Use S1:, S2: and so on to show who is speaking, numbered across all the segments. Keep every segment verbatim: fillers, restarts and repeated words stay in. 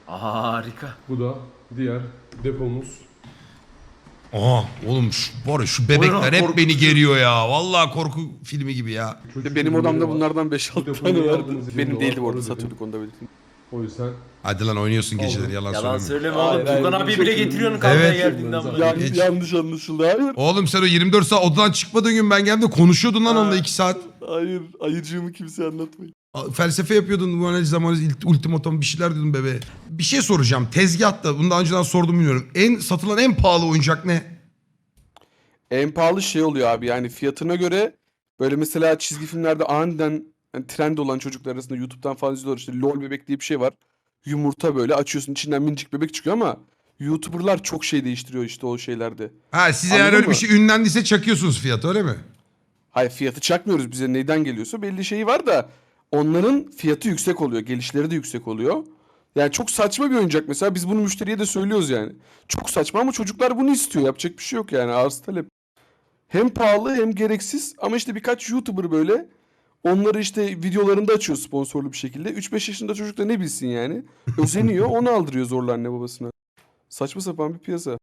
S1: Harika.
S2: Bu da diğer depomuz.
S3: Aha oğlum şu, var ya, şu bebekler hep
S1: korkutucu.
S3: beni geriyor ya. Vallahi korku filmi gibi ya.
S2: Çocuk
S4: Benim
S2: ürünleri
S4: odamda
S2: var.
S4: bunlardan beş
S2: Bu
S4: altı
S2: depoyu
S4: tane vardı.
S2: aldığınız için
S4: Benim
S2: de
S4: değildi
S2: var,
S4: bu arada,
S2: onu dedim.
S4: satıyorduk onu da belirteyim.
S2: O yüzden
S3: Hadi lan oynuyorsun geceleri yalan,
S1: Yalan
S3: söyleme.
S1: söyleme
S4: Hayır,
S1: oğlum.
S4: hayır,
S1: Tugan
S4: benim
S1: abi
S4: çok
S1: bile
S4: iyiyim.
S1: getiriyorsun kavgaya
S3: Evet.
S1: geldiğinden beri.
S4: Yan,
S3: Geç.
S4: yanlış anlaşıldı. Hayır.
S3: Oğlum sen o yirmi dört saat odadan çıkmadığın gün ben geldim de konuşuyordun lan onunla iki saat.
S4: Hayır. Ayıcığımı kimseye anlatmayın.
S3: Felsefe yapıyordun, bu analiz zamanı ultimatom bir şeyler diyordun bebeğe. Bir şey soracağım. Tezgahta, bunu daha önceden sordum bilmiyorum. En satılan en pahalı oyuncak ne?
S4: En pahalı şey oluyor abi, yani fiyatına göre böyle mesela çizgi filmlerde aniden yani trend olan çocuklar arasında YouTube'dan falan izliyorlar, işte LOL bebek diye bir şey var. Yumurta böyle açıyorsun, içinden minicik bebek çıkıyor ama YouTuber'lar çok şey değiştiriyor işte o şeylerde.
S3: Ha size eğer
S4: Anladın
S3: öyle bir
S4: mı?
S3: şey ünlendiyse çakıyorsunuz fiyatı, öyle mi?
S4: Hayır, fiyatı çakmıyoruz, bize neyden geliyorsa belli şeyi var da onların fiyatı yüksek oluyor, gelişleri de yüksek oluyor. Yani çok saçma bir oyuncak mesela, biz bunu müşteriye de söylüyoruz yani. Çok saçma ama çocuklar bunu istiyor, yapacak bir şey yok yani, arz talep. Hem pahalı hem gereksiz ama işte birkaç YouTuber böyle onları işte videolarında açıyor sponsorlu bir şekilde. üç beş yaşında çocuk da ne bilsin yani. Özeniyor, onu aldırıyor zorla anne babasına. Saçma sapan bir piyasa.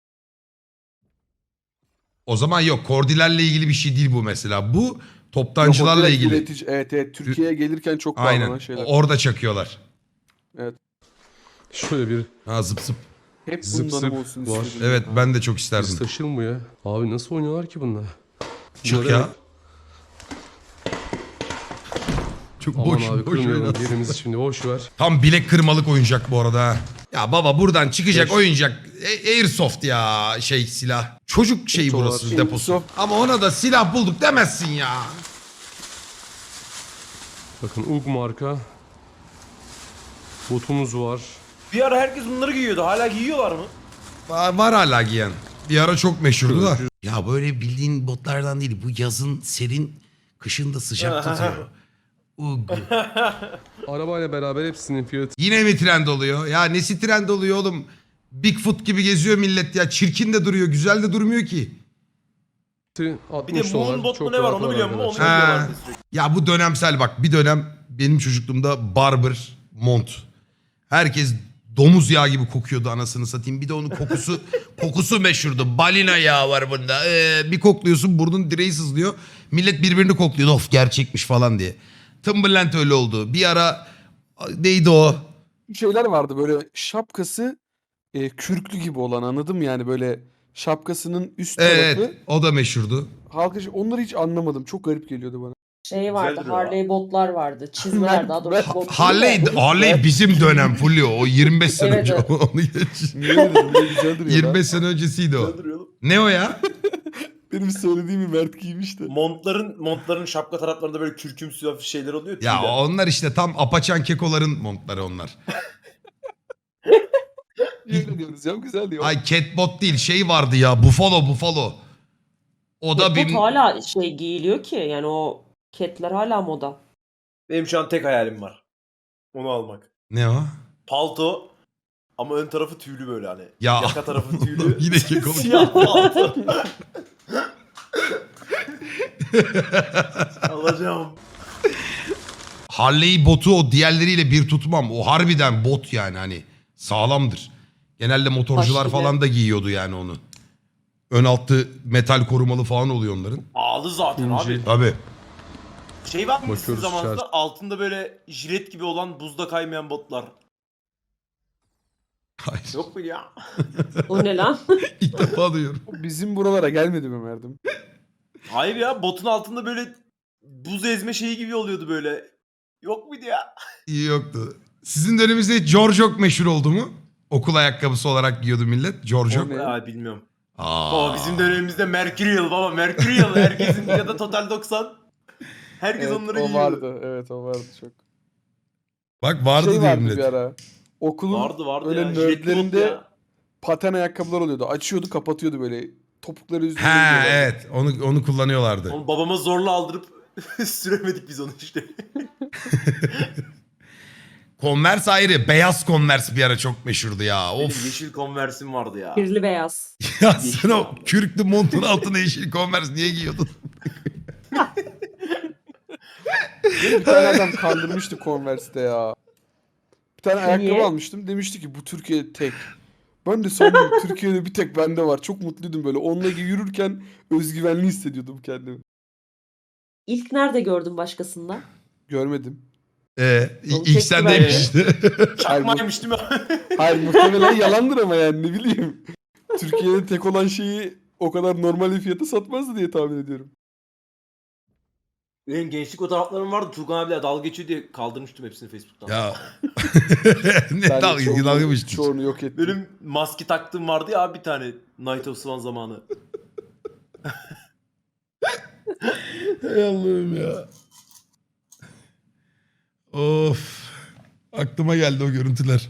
S3: O zaman yok, kordilerle ilgili bir şey değil bu mesela. Bu
S4: Yok, o
S3: toptancılarla
S4: direkt
S3: ilgili.
S4: üretici. Evet evet, Türkiye'ye gelirken çok
S3: Aynen.
S4: pahalı şeyler.
S3: Orada çakıyorlar.
S2: şöyle bir
S3: Ha zıp zıp.
S4: Hep
S2: zıp
S4: bundan
S2: zıp
S4: olsun
S2: var.
S4: istedim.
S3: Evet
S4: Ha.
S3: ben de çok
S2: biz
S3: isterdim.
S2: taşınmıyor. Abi nasıl oynuyorlar ki bunlar?
S3: Çık
S2: Bunlara
S3: ya.
S2: bak.
S3: Çok
S2: Aman
S3: boş
S2: abi
S3: boş
S2: kırmayalım.
S3: oynar.
S2: Yerimizi şimdi boş ver.
S3: Tam bilek kırmalık oyuncak bu arada ha. Ya baba buradan çıkacak
S2: Beş.
S3: oyuncak. E- Airsoft ya şey silah. Çocuk şeyi
S2: Dolar.
S3: burası deposu.
S4: Airsoft.
S3: Ama ona da silah bulduk demezsin ya.
S2: Bakın U G marka. Botumuz var.
S1: Bir ara herkes bunları giyiyordu. Hala giyiyorlar mı?
S3: Var, var hala giyen. Bir ara çok meşhurdu da. Ya böyle bildiğin botlardan değil. Bu yazın serin, kışın da sıcak tutuyor. Ugh.
S2: Arabayla beraber hepsinin fiyatı
S3: Yine mi trend oluyor? Ya nesi trend oluyor oğlum? Bigfoot gibi geziyor millet ya. Çirkin de duruyor, güzel de durmuyor ki.
S1: Bir
S2: altmış
S1: de
S2: dolar.
S1: Moonbot
S2: Çok
S1: mu ne var
S2: rahat
S1: onu biliyor musun? Onu
S2: arkadaşlar.
S3: Ha.
S1: giyiyorlardı sürekli.
S3: Ya bu dönemsel bak. Bir dönem benim çocukluğumda barber mont. Herkes domuz yağı gibi kokuyordu anasını satayım. Bir de onun kokusu kokusu meşhurdu. Balina yağı var bunda. Ee, bir kokluyorsun burnun direği sızlıyor. Millet birbirini kokluyordu. Of gerçekmiş falan diye. Timberland öyle oldu. Bir ara neydi o?
S4: Şeyler vardı böyle şapkası e, kürklü gibi olan, anladın mı? Yani böyle şapkasının üst tarafı.
S3: Evet o da meşhurdu.
S4: Halka onları hiç anlamadım. Çok garip geliyordu bana.
S5: Şey vardı,
S1: Güzel duruyor
S5: Harley botlar vardı. Çizmeler daha doğrusu
S4: Ben-
S5: bot değil de.
S3: Harley, Harley bizim dönem Fulya. O yirmi beş sene
S5: Evet,
S3: önce.
S5: evet.
S3: Onu geç.
S4: Niye dedim? Ne güzel duruyor
S3: yirmi
S4: lan.
S3: beş sene öncesiydi o.
S1: Güzel duruyor oğlum.
S3: Ne o ya?
S4: Benim söylediğimi Mert giymişti.
S1: Montların montların şapka taraflarında böyle kürkümsü hafif şeyler oluyor.
S3: Ya
S1: tüyler.
S3: onlar işte tam apaçan kekoların montları onlar.
S4: Yemin ediyoruz ya, güzel diyor.
S3: Ay catbot değil şey vardı ya Buffalo Buffalo. O da
S5: Bot
S3: bir...
S5: hala şey giyiliyor ki yani o ketler hala moda.
S1: Benim şu an tek hayalim var. Onu almak.
S3: Ne o?
S1: Palto ama ön tarafı tüylü böyle hani.
S3: Ya.
S1: Yaka tarafı tüylü.
S3: Yine kekoluk.
S1: Siyah palto. Alacağım.
S3: Harley botu o diğerleriyle bir tutmam. O harbiden bot yani hani sağlamdır. Genelde motorcular
S5: Taş gibi.
S3: falan da giyiyordu yani onu. Ön altı metal korumalı falan oluyor onların.
S1: Ağlı zaten
S2: İnce.
S1: abi.
S3: Tabii.
S1: Şey var mı sizin
S2: Bakıyoruz
S1: zamanınızda
S2: içerisi.
S1: altında böyle jilet gibi olan buzda kaymayan botlar?
S3: Hayır.
S1: Yok mu ya?
S5: O ne lan?
S3: İlk defa duyuyorum.
S4: Bizim buralara gelmedi mi Mert'im?
S1: Hayır ya, botun altında böyle buz ezme şeyi gibi oluyordu böyle. Yok muydu ya?
S3: İyi yoktu. Sizin döneminizde George çok meşhur oldu mu? Okul ayakkabısı olarak giyiyordu millet. George
S4: O ne?
S1: Ya bilmiyorum.
S3: Aa.
S1: Baba bizim dönemimizde Mercurial baba Mercurial herkesin ya da Total doksan. Herkes
S4: Evet,
S1: onları
S4: o
S1: giyiyordu.
S4: vardı. Evet, o vardı çok.
S3: Bak vardı
S4: şey
S3: diyor
S4: vardı
S3: millet.
S4: bir ara. Okulun
S1: Vardı vardı
S4: öyle
S1: ya. jiletli bot
S4: nerdlerinde
S1: ya.
S4: paten ayakkabılar oluyordu. Açıyordu, kapatıyordu böyle. Topukları üzerine
S3: Ha
S4: giyiyorlardı.
S3: evet onu onu kullanıyorlardı.
S1: Onu babama zorla aldırıp süremedik biz onu işte.
S3: Converse ayrı. Beyaz Converse bir ara çok meşhurdu ya.
S1: Benim
S3: Of.
S1: yeşil Converse'im vardı ya.
S5: Kirli beyaz.
S3: Ya sen o kürklü montun altına yeşil Converse niye giyiyordun?
S4: Beni bir tane adam kandırmıştı Converse'te ya. Bir tane ayakkabı
S5: Niye?
S4: almıştım. Demişti ki bu Türkiye'de tek. Ben de sandım Türkiye'de bir tek bende var. Çok mutluydum böyle. Onunla yürürken özgüvenli hissediyordum kendimi.
S5: İlk nerede gördün başkasında?
S4: Görmedim.
S3: Ee,
S5: Oğlum
S3: ilk
S5: tek
S3: sendeymiş işte.
S1: Çakmaymış değil mi?
S4: Hayır muhtemelen yalandır ama yani ne bileyim. Türkiye'de tek olan şeyi o kadar normal bir fiyata satmazdı diye tahmin ediyorum.
S1: Benim gençlik fotoğraflarım vardı. Turgan abiyle dalga geçiyor diye kaldırmıştım hepsini Facebook'tan.
S3: Ya. ne
S4: Ben de
S3: dalga
S4: çoğunu-
S3: dalga mı geçtin?
S4: Çoğunu yok ettim.
S1: Benim maske taktığım vardı ya abi bir tane. Night of Swan zamanı.
S3: Ey Allah'ım ya. Of. Aklıma geldi o görüntüler.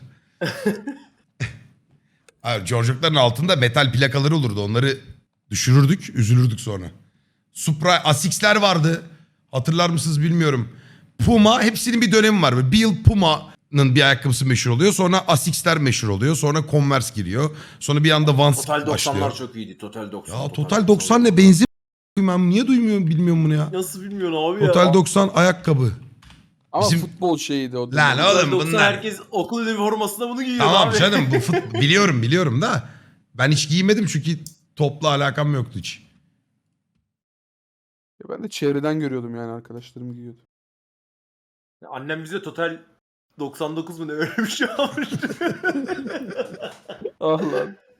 S3: Hayır, George'ların altında metal plakaları olurdu. Onları düşürürdük, üzülürdük sonra. Supra, Asics'ler vardı. Hatırlar mısınız bilmiyorum. Puma, hepsinin bir dönemi var. Böyle bir yıl Puma'nın bir ayakkabısı meşhur oluyor. Sonra Asics'ler meşhur oluyor. Sonra Converse giriyor. Sonra bir anda Vans
S1: Total doksanlar
S3: başlıyor.
S1: çok iyiydi. Total doksan.
S3: Ya Total doksan ne? Benzin ben niye duymuyorum bilmiyorum bunu ya.
S1: Nasıl bilmiyorsun abi ya?
S3: Total doksan ayakkabı.
S4: Ama
S3: Bizim-
S4: futbol şeyiydi o.
S3: Lan
S4: dönem.
S3: oğlum
S1: Total doksan
S3: bunlar.
S1: herkes okul üniformasında bunu giyiyor
S3: Tamam
S1: abi.
S3: canım bu fut... biliyorum biliyorum da. Ben hiç giymedim çünkü topla alakam yoktu hiç.
S4: Ya ben de çevreden görüyordum yani arkadaşlarım giyiyordu.
S1: Annem bize Total doksan dokuz mu ne öyle bir şey almıştı.
S4: Ah lan.